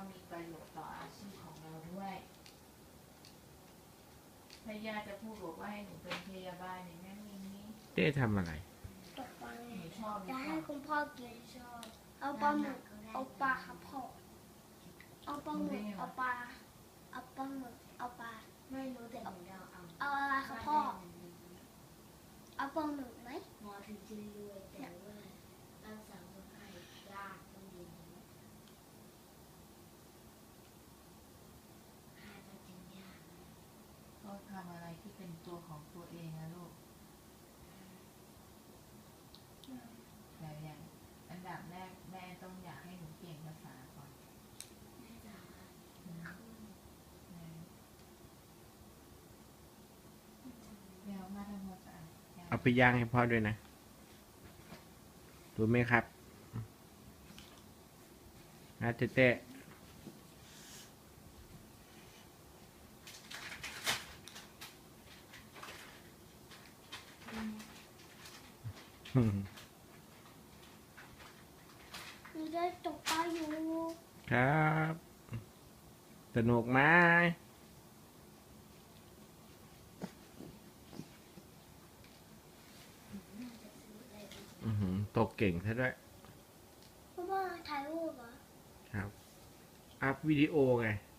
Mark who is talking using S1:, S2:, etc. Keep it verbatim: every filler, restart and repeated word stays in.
S1: มีประโยชน์ต่ออาชีพของเราด้วยถ้าย่าจะพูดบอกว่าให้หนูเป็นพยาบาลอย่างนั้นอย่างนี้
S2: เจ๊ทำอะไร
S3: ตกปลา
S1: หนูชอบหรื
S3: จะ
S1: อเป
S3: ให้
S1: ล่า
S3: คุณพ่อกินชอบเอาปลาหมึกเอาปลาครับพ่อเอาปลาหมึกเอาปลาเอาปลาหมึกเอาปลาไม่รู้แต่หนูเอาเอาเอาอะไรครับพ่อเอาปลาหมึกไหมหมอถึงจะรวยแต่ว่ารักษาคนไข้ยากต้องดีหาตัดสินยาก
S1: ก็ทำอะไรที่เป็นตัวของตัวเองนะลูกแต่อย่างอันดับแรกแม่ต้องอยากให้หนูเก่งภาษาก่อน
S3: แม่จ๋า
S1: เดี๋ยวมาทำความสะอาด
S2: เอาไปย่างให้พ่อด้วยนะรู้ไหมครับนะเจ๊เต้อืม
S3: หนูได้ตกปลาอยู่
S2: ครับสนุกไหมอือหือตกเก่งซะด้วย
S3: เพราะว่าถ่ายรูปเหรอ
S2: ครับ อัพวิดีโอไง